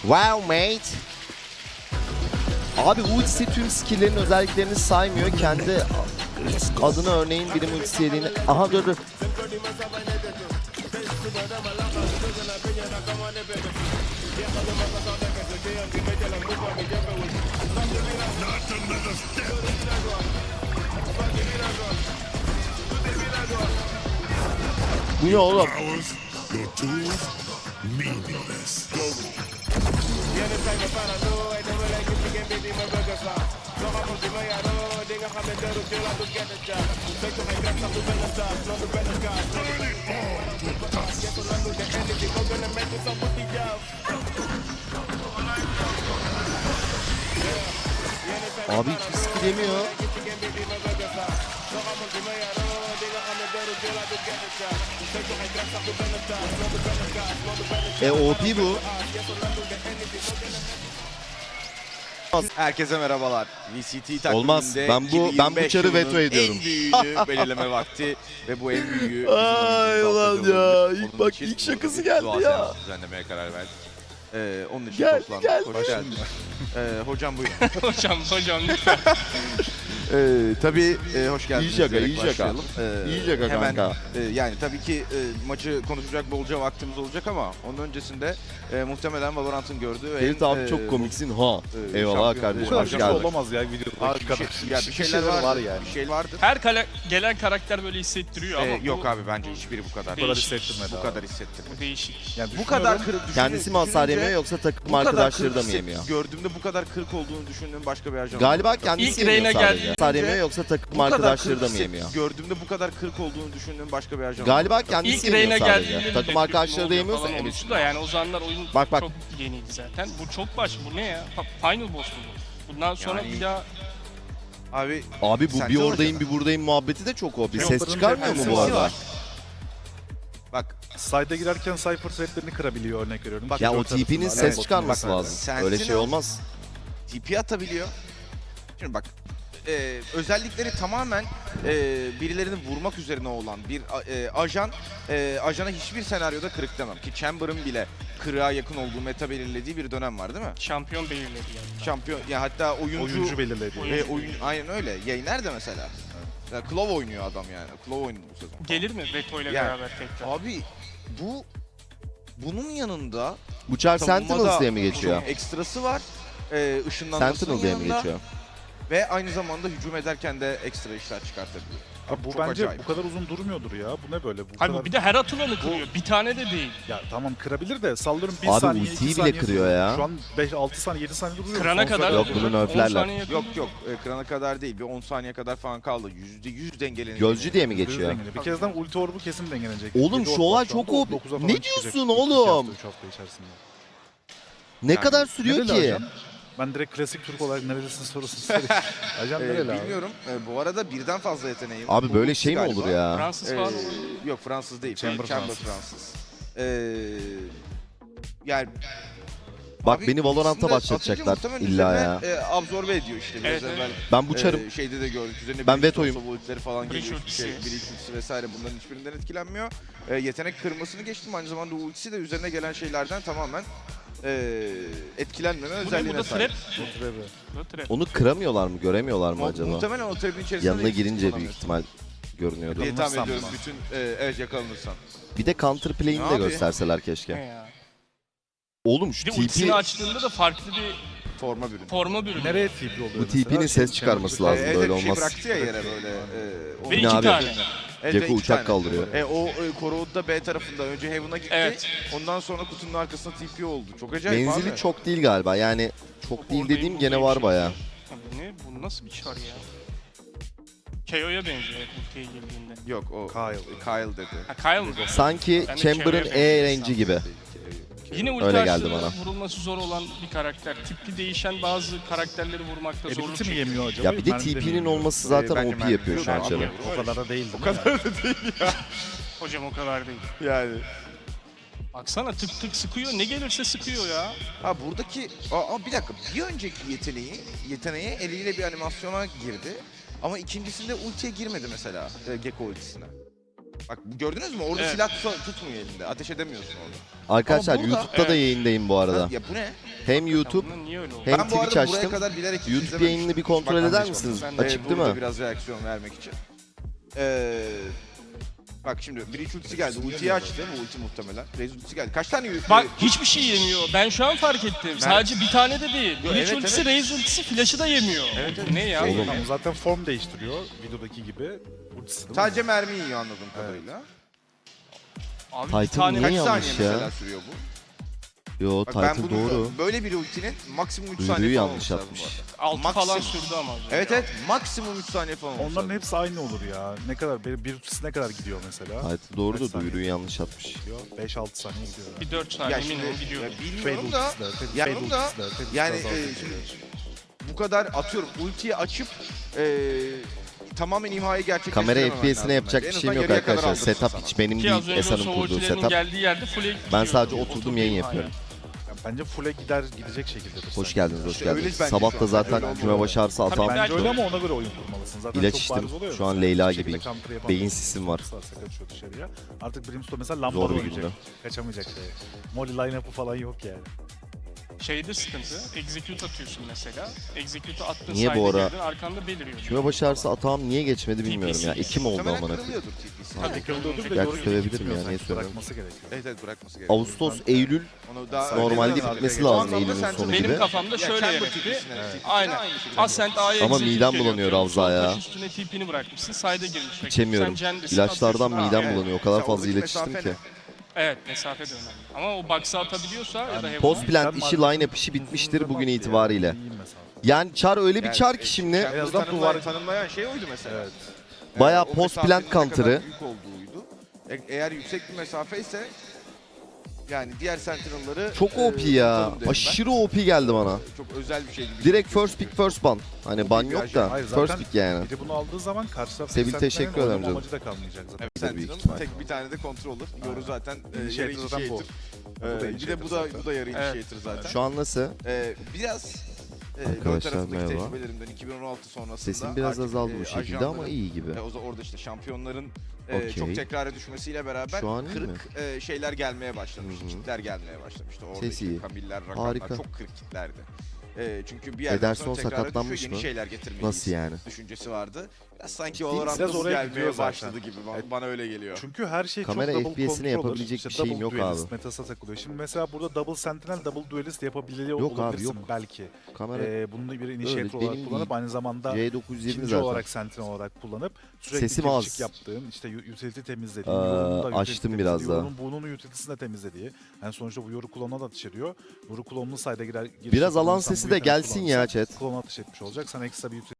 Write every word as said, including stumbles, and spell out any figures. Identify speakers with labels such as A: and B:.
A: Wow mate. Abi ultisi tüm skill'lerin özelliklerini saymıyor. Kendi adına örneğin birim ultisi yediğini... Aha dur dur. Bu ne oğlum? Abi hiçbir skill yemiyor. E O P bu.
B: Herkese merhabalar. V C T takviminde
A: Olmaz. Ben bu ben bu çarı veto ediyorum.
B: En büyüğünü belirleme vakti ve bu en büyüğü.
A: Ay ulan ya. İlk bak ilk şakası geldi ya.
B: Düzenlemeye karar verdik. Ee, onun için
A: Gel,
B: toplandık.
A: gel.
B: Hoş geldin. Ee, hocam buyurun.
C: hocam, hocam lütfen.
B: Ee, tabii e, hoş geldiniz.
A: İyi şaka,
B: diyerek
A: iyi şaka.
B: başlayalım. Ee,
A: İyi şaka
B: hemen,
A: kanka.
B: e, yani tabii ki e, maçı konuşacak bolca vaktimiz olacak ama onun öncesinde e, muhtemelen Valorant'ın gördüğü
A: Ferit
B: en,
A: abi
B: e,
A: çok komiksin ha.
B: e,
A: Eyvallah
B: şampiyon-
A: kardeşim.
B: Bu kadar
A: Hoş
B: şaka
A: geldin.
D: olamaz ya videoda.
B: Abi bir, şey, ya bir şeyler var, var yani. Bir şey vardır.
C: Her kale, gelen karakter böyle hissettiriyor ama
B: Ee,
C: bu,
B: yok abi bence hiçbiri bu kadar.
D: Bu kadar
C: Değişik.
D: hissettirmedi
B: Bu
D: abi.
B: kadar hissettirmedi.
C: bu değişik.
B: Yani bu kadar kırık düşünce,
A: Kendisi mi hasar yemiyor yoksa takım arkadaşları da mı yemiyor?
B: Gördüğümde bu kadar kırık olduğunu düşündüğüm başka bir ajan.
A: Galiba kendisi
C: İlk
A: yemiyor
C: Reyna
A: sadece.
C: geldiğinde-
A: Hasar yemiyor yoksa takım arkadaşları da mı yemiyor?
B: Gördüğümde bu kadar kırık olduğunu düşündüğüm başka bir ajan.
A: Galiba kendisi
C: İlk
A: yemiyor
C: Reyna
A: sadece.
C: geldiğinde
A: Takım
C: de
A: arkadaşları da
C: oluyor
A: yemiyorsa
C: falan
A: evet.
C: olmuştu da yani o zamanlar oyun
A: Bak, bak.
C: çok yeniydi zaten. Bu çok baş, bu ne ya? Pa- Final boss mu bu? Bundan sonra
B: Yani-
C: bir daha
B: Abi
A: Abi bu
B: Sence
A: bir oradayım
B: hocam.
A: bir buradayım muhabbeti de çok o. Bir ses
D: Yolların
A: çıkarmıyor mu
D: tepkisi
A: bu arada?
B: var. Bak
D: Side'a girerken Cypher threadlerini kırabiliyor örnek veriyorum. Bak,
A: Ya o
D: dört
A: T P'nin
D: arasında.
A: ses
D: Evet,
A: çıkarması
D: bak,
A: lazım.
B: Sentinel-
A: Öyle şey olmaz.
B: T P atabiliyor. Şimdi bak e, özellikleri tamamen e, birilerini vurmak üzerine olan bir e, ajan e, ajana hiçbir senaryoda kırık demem ki Chamber'ın bile kırığa yakın olduğu meta belirlediği bir dönem var değil mi?
C: şampiyon belirledi yani.
B: Şampiyon ya hatta oyuncu,
D: Oyuncu belirledi.
C: Oyuncu.
B: e, oyun aynen öyle. Yayner de mesela. Ya, Claw oynuyor adam yani. Claw oynadı bu sezon.
C: Gelir mi Veto ile
B: Yani,
C: beraber tekrar?
B: Abi bu bunun yanında
A: Bu çar
B: savunmada
A: Sentinels diye mi geçiyor?
B: çok ekstrası var. E, ışınlanmasının
A: Sentinel diye mi
B: yanında
A: geçiyor?
B: ve aynı zamanda hücum ederken de ekstra işler çıkartabiliyor.
D: Abi bu
B: Çok
D: bence
B: acayip.
D: bu kadar uzun durmuyordur ya. Bu ne böyle? Bu
C: Hayır
D: kadar...
C: bu bir de her atılanı kırıyor. Bir tane de değil.
D: Ya tamam kırabilir de sallıyorum bir
A: Abi
D: saniye,
A: ultiyi
D: iki
A: bile
D: saniye
A: kırıyor
D: duruyor.
A: ya.
D: Şu an beş altı saniye, yedi saniye duruyor.
C: Kırana
D: Son
C: kadar
D: saniye-
A: Yok, bunu
C: on
A: nerflerler.
C: saniye yakın.
B: Yok yok e, kırana kadar değil bir on saniye kadar falan kaldı. Yüzde yüz dengelenecek.
A: Gözcü diye mi
D: Yüzde yüz
A: geçiyor?
D: dengeli. Bir kezden ulti orbu kesin dengelenecek.
A: Oğlum,
D: Yedi
A: şu
D: orb
A: olay
D: var şu anda,
A: çok o-
D: dokuza
A: Ne
D: falan
A: diyorsun
D: çıkacak. İki
A: oğlum?
D: hafta, üç hafta içerisinde.
A: Ne
B: Yani
A: kadar sürüyor
D: Nereli
A: ki?
D: ajan? Ben direkt klasik Türk olarak nerelisin sorusunu sorayım. Ajan
B: E,
D: nereli abi?
B: bilmiyorum. E, bu arada birden fazla yeteneği.
A: Abi
B: Bu
A: böyle
B: ikisi
A: şey mi
B: galiba.
A: olur ya?
C: Fransız
B: E,
C: falan olur.
B: yok Fransız değil.
D: Chamber
B: Chamber,
D: Fransız.
B: Fransız. E, yani
A: Bak
B: abi
A: beni Valorant'a
B: ikisini de
A: başlatacaklar
B: atınca muhtemelen
A: illa
B: üzerine,
A: ya.
B: E, absorbe ediyor işte. Biraz
C: Evet, evet.
B: evvel,
A: Ben bu çarım
B: e, şeyde de gördük. Üzerine
A: Ben
B: Breach
A: vetoyum.
B: Sosa ultileri falan
C: Breach
B: geliyor.
C: ultisi.
B: Şey, Breach ultisi vesaire bunların hiçbirinden etkilenmiyor. E, yetenek kırmasını geçtim. Aynı zamanda ultisi de üzerine gelen şeylerden tamamen e, etkilenmeme
C: Bu ne?
B: özelliğine
C: Bu da
B: sahip.
C: trap.
D: Oturebi.
C: Bu da trap.
A: onu kıramıyorlar mı? Göremiyorlar mı
B: Mu-
A: acaba?
B: Muhtemelen o trap'in içerisinde
A: Yanına
B: de hiç
A: girince büyük
B: kullanamıyorsun
A: ihtimal görünüyordu.
B: diye tahmin
D: Yakalanırsam
B: ediyorum
D: mı?
B: bütün e, evet yakalanırsan.
A: Bir de counter play'ini de
B: Abi.
A: gösterseler
C: Ne
A: keşke.
C: ya?
A: Oğlum şu
C: Bir de
A: T
C: ultisini
A: P
C: açtığında da farklı bir
B: Forma bürün.
C: forma bürünüyor.
D: Nereye T P oluyor
A: Bu
D: mesela?
A: T P'nin ses
D: Şey,
A: çıkarması
D: Chamber-
A: lazım.
B: evet,
A: böyle
B: bir şey
A: olmaz.
B: bıraktı ya yere böyle. E, o-
C: Ve
A: Ne
C: iki
A: abi?
C: tane.
B: Evet,
A: Gekko
B: ve iki
A: uçak
B: tane.
A: kaldırıyor.
B: E, o e, Corrod'da B tarafında önce Heaven'a gitti.
C: Evet.
B: Ondan sonra kutunun arkasına T P oldu. Çok acayip
A: Menzili
B: abi.
A: çok değil galiba. Yani çok değil
C: Oradayım,
A: dediğim gene
C: buradayım
A: var
C: şey.
A: baya.
C: Abi ne? Bu nasıl bir çar ya? K O'ya benziyor evet, ultiye girdiğinde.
B: Yok o
D: Kyle.
B: Kyle dedi.
C: Ha Kyle mı?
A: Sanki
C: Ben de
A: Chamber'ın
C: Keo'ya
A: E
C: benziyor
A: range'i gibi.
C: Yine ulti
A: Öyle geldi
C: açtığında
A: bana.
C: vurulması zor olan bir karakter. Tipli değişen bazı karakterleri vurmakta zorluk
D: Ability mi
C: çekiyor.
D: yemiyor acaba?
A: Ya bir de
D: Mermi
A: T
D: mi
A: P'nin
D: yemiyor?
A: olması
B: Ee,
A: zaten
B: bence
A: O P
B: mermi
A: yapıyor şu an
B: yiyor.
A: çarı.
D: O kadar da değil.
B: O kadar da değil ya.
C: Hocam o kadar değil.
B: Yani.
C: Baksana tık tık sıkıyor. Ne gelirse sıkıyor ya.
B: Ha buradaki aa, bir dakika bir önceki yeteneği yeteneğe eliyle bir animasyona girdi. Ama ikincisinde ultiye girmedi mesela e, Gekko ultisine. Bak gördünüz mü? Orada
C: Evet.
B: silah tut- tutmuyor elinde. Ateş edemiyorsun orada.
A: Arkadaşlar
B: Ama burada-
A: YouTube'da da
C: Evet.
A: yayındayım bu arada.
B: Ha, ya bu ne?
A: Hem YouTube
C: Bunun niye öyle oldu?
A: hem
B: ben bu
A: Twitch
B: arada buraya
A: açtım.
B: kadar bilerek hiç
A: YouTube
B: izlememiştim.
A: yayınını bir kontrol
B: Bak,
A: eder
B: anlaşıldı.
A: misiniz?
C: Ben de
A: Açık
B: Ee,
A: değil
B: burada
A: mi?
B: biraz reaksiyon vermek için. Ee, bak şimdi Breach ultisi geldi. Ultiyi açtı. Bu ulti muhtemelen. Raze ultisi geldi. Kaç tane ulti?
C: Bak hiçbir şey yemiyor. Ben şu an fark ettim. Sadece bir tane de değil.
B: Yo,
C: Breach
B: evet,
C: ultisi,
B: evet.
C: Raze ultisi, flash'ı da yemiyor.
B: Evet, evet.
C: Ne ya?
B: Şey,
A: Oğlum.
D: Ama zaten form değiştiriyor videodaki gibi. Ultisi değil mi?
B: Sadece mermi yiyor anladığım kadarıyla.
C: Abi
A: Titan
C: bir tane
A: niye
B: Kaç
A: yanlış
B: saniye
A: ya?
B: mesela sürüyor bu?
A: Yo
B: Bak ben
A: Titan
B: bunu
A: doğru.
B: böyle bir ultinin maksimum üç
A: Duyuruyu
B: saniye falan
A: yanlış
B: olması lazım
A: yapmış.
B: bu arada.
C: altı falan
B: maksimum.
C: sürdü ama. az önce.
B: Evet evet maksimum üç saniye falan olması
D: Onların
B: lazım.
D: hepsi aynı olur ya. Ne kadar bir, bir ultisi ne kadar gidiyor mesela?
A: Titan doğru
D: Kaç
A: da
D: saniye?
A: duyuruyu yanlış atmış.
D: Gidiyor. beş altı saniye gidiyor.
C: Bir dört saniye
B: Ya şimdi
C: minimum gidiyor.
B: ya
D: Fade
B: bilmiyorum da
D: ultisi de, Fade,
B: yani
D: Fade
B: bunu da-
D: ultisi de, Fade
B: yani
D: ultisi de
B: e,
D: zaten
B: şimdi
D: geliyor.
B: bu kadar atıyorum ultiyi açıp e, tamamen imhayı gerçekleştirememen
A: Kamera
B: lazım
A: F P S'ine
B: bence.
A: yapacak
B: En
A: bir
B: azından
A: şeyim yok
B: yarıya kadar
A: arkadaşlar.
B: aldırırsın
A: Setup
B: sana.
A: hiç benim
C: Ki az
A: değil.
C: önce
A: Esan'ın
C: o
A: kurduğu
C: ultilerin
A: setup.
C: geldiği yerde full'e gidiyor.
A: Ben sadece
C: Oturdu
A: oturdum yayın
C: imhaya.
A: yapıyorum.
D: Yani bence full'e gider gidecek şekildedir.
A: Hoş
D: sanki.
A: geldiniz, hoş
B: İşte öyle
A: geldiniz.
B: bence
A: Sabah
B: şu
A: da
B: an.
A: zaten
D: Öyle
A: küme
D: olmalı.
A: başarısı
C: Tabii
A: atam.
C: ben-
D: Bence öyle ama ona göre oyun kurmalısın. Zaten
A: İlaç
D: çok
A: içtim.
D: bariz oluyor.
A: Şu an
D: mesela.
A: Leyla
D: Bir şekilde
A: gibiyim.
D: counter yapamaz.
A: Beyin sisim var.
D: Sarsa kaçıyor dışarıya. Artık Brimstone mesela lambada
A: Zor bir
D: oynayacak.
A: günde.
D: Kaçamayacak şey. Molly line-up'ı falan yok yani.
C: Şeyde sıkıntı. Execute atıyorsun mesela. Execute attığın
A: Niye bu
C: side'e
A: ara-
C: girdin, arkanda beliriyor.
A: Küme başarısı atağım niye geçmedi bilmiyorum ya. İki mi oldu
B: Muhtemelen
A: amına koyayım?
B: kırılıyordur T P'si.
C: Tabii.
D: Kırılıyordur da
A: Gerçi
D: doğru
A: sövebilirim
D: gitmiyor
A: ya,
D: sanki.
A: niye söylemiyorum?
D: Bırakması gerekiyor.
B: Evet evet bırakması gerekiyor.
A: Ağustos, Eylül
B: Onu daha
A: normalde
B: önceden
A: bitmesi
B: zaten-
A: lazım
B: Şu anda
A: Eylül'ün
B: Sentinel-
A: sonu
C: Benim
A: gibi.
C: kafamda
B: Ya
C: şöyle
B: Chamber
C: yönetti.
B: T P'sine, T P'sine
C: Aynen.
B: aynı şekilde.
C: Ascent A'ya
A: Ama
C: execute
A: midem
C: geliyor.
A: bulanıyor
C: Sol
A: Ravza ya.
C: taş üstüne T P'ni bırakmışsın. Side'e girmiş. rakip.
A: İçemiyorum.
C: Sen Cendesin,
A: İlaçlardan
C: atıyorsun.
A: midem
C: Ha, evet.
A: bulanıyor. O kadar
B: Mesela
A: fazla
B: oradaki
A: ilaç içtim
B: mesafe
A: ki.
B: ne?
C: Evet, mesafe de önemli. Ama o box'a atabiliyorsa ya da
A: Post
C: Heaven'a.
A: plant işi line-up işi bitmiştir bugün itibariyle. Yani Char öyle bir
B: Yani,
A: Char
B: e,
A: ki şimdi
B: Chamber'ı
D: En azından
B: tanımlayan-
D: duvar-
B: tanımlayan şey oydu mesela.
D: Evet.
A: bayağı
B: o
A: post
B: mesafenin
A: plant
B: ne kadar
A: counter'ı.
B: büyük olduğuydu. E- eğer yüksek bir mesafe ise yani diğer Sentinel'ları
A: Çok
B: e,
A: O P ya.
B: tutalım derim ben.
A: Aşırı O P geldi bana.
B: Çok özel bir şey gibi.
A: Direkt first pick first ban. Hani ban yok da
D: Hayır,
A: first
D: zaten
A: pick yani.
D: biri bunu aldığı zaman karşı taraf
A: Sebil, teşekkür ederim canım.
D: amacı da kalmayacak zaten.
B: Evet,
A: Tabii, büyük
B: Sentinel
A: ihtimal.
B: tek bir tane de controller. Yoru zaten e,
D: İnitiator
B: yarı
D: zaten bu.
B: initiator.
D: Bu
B: Ee,
D: da
B: bir de bu da
D: zaten.
B: bu da yarı
C: Evet.
B: initiator zaten.
A: Şu an nasıl?
B: Ee, biraz e, LoL
A: Arkadaşlar,
B: tarafındaki
A: merhaba.
B: tecrübelerimden iki bin on altı sonrasında
A: Sesim biraz
B: artık,
A: azaldı
B: e,
A: bu şekilde
B: ajanların,
A: ama iyi gibi.
B: e, o zaman orada işte şampiyonların e,
A: Okey.
B: çok tekrara düşmesiyle beraber
A: Şu an iyi mi?
B: kırık e, şeyler gelmeye başlamıştı.
A: Hı hı.
B: Kitler gelmeye başlamıştı. Orada
A: Ses
B: işte
A: iyi.
B: Kamiller, Rakanlar
A: Harika.
B: çok kırık kitlerdi. E, çünkü bir yerden
A: Ederson
B: sonra tekrara
A: sakatlanmış
B: düşüyor, yeni
A: mı?
B: şeyler getirmeliyiz.
A: Nasıl yani?
B: Düşüncesi vardı. Biraz sanki
A: Ciddi
B: Valorant
A: misin?
D: Biraz
B: hız
D: oraya
B: gelmeye
D: gidiyor zaten.
B: başladı gibi bana,
D: Evet.
B: bana öyle geliyor.
D: Çünkü her şey
A: Kamera
D: çok double
A: F P S'ine
D: controller,
A: yapabilecek bir
D: işte
A: şeyim
D: double
A: yok
D: duelist
A: abi.
D: metası takılıyor. Şimdi mesela burada double sentinel, double duelist yapabiliyor
A: Yok abi,
D: olabilirsin
A: yok.
D: belki.
A: Kamera
D: Ee, bunu bir initiator
A: Öyle,
D: olarak
A: benim
D: kullanıp
A: değil.
D: aynı zamanda
A: C dokuz yüz yirmi
D: ikinci
A: zaten.
D: olarak sentinel olarak kullanıp sürekli
A: Sesim
D: gir
A: az.
D: çık yaptığın, işte u- utility temizlediğin,
A: Aa,
D: yorunun da
A: açtım
D: utility
A: biraz
D: temizlediği,
A: daha.
D: yorunun burnunun utility'sini de temizlediği. Yani sonuçta bu yoru klonuna da ateş ediyor. Yoru klonunu sayda girer. giriş
A: Biraz
D: yapıyor,
A: alan
D: insan
A: sesi
D: bu
A: de
D: yeteneği
A: gelsin ya
D: kullanırsa
A: chat.
D: Klona ateş etmiş olacak. Sana ekstra bir utility